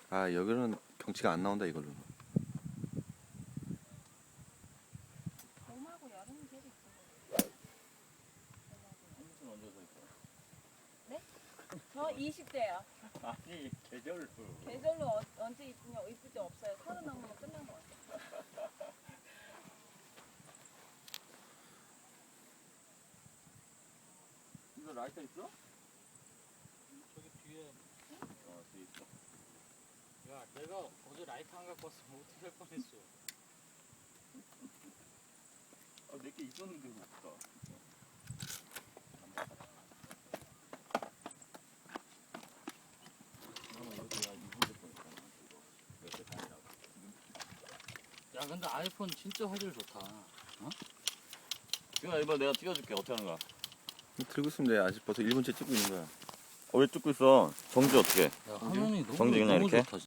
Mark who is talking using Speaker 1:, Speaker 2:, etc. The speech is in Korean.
Speaker 1: 아, 여기는 경치가 안 나온다 이걸로.
Speaker 2: 봄하고 여름이 제일 이쁜
Speaker 3: 무슨 언제 서 있어?
Speaker 2: 네? 저 20대요.
Speaker 3: 아니 계절로.
Speaker 2: 계절로 언제 이쁘냐? 이쁠 때 없어요. 30 넘으면 끝난 것 같아요.
Speaker 3: 이거 라이터 있어?
Speaker 4: 저기 뒤에.
Speaker 3: 어 뒤에 있어.
Speaker 4: 야, 내가 어제 라이트 안 갖고 왔으면 어떻게 할 뻔했어.
Speaker 3: 아 내게 있었는데 왜 없다. 나는 여기가 이분들 거니까 이거 몇개 다니라고.
Speaker 4: 야, 근데 아이폰 진짜 화질 좋다.
Speaker 3: 지금 이번 내가 찍어줄게. 어떻게 하는 거야?
Speaker 1: 들고 있으면 돼. 아직 벌써 1분째 찍고 있는 거야.
Speaker 3: 왜 찍고 있어? 정지 어떻게?
Speaker 4: 야, 화면이 너무,
Speaker 3: 정지 그냥
Speaker 4: 너무
Speaker 3: 이렇게?
Speaker 4: 좋다.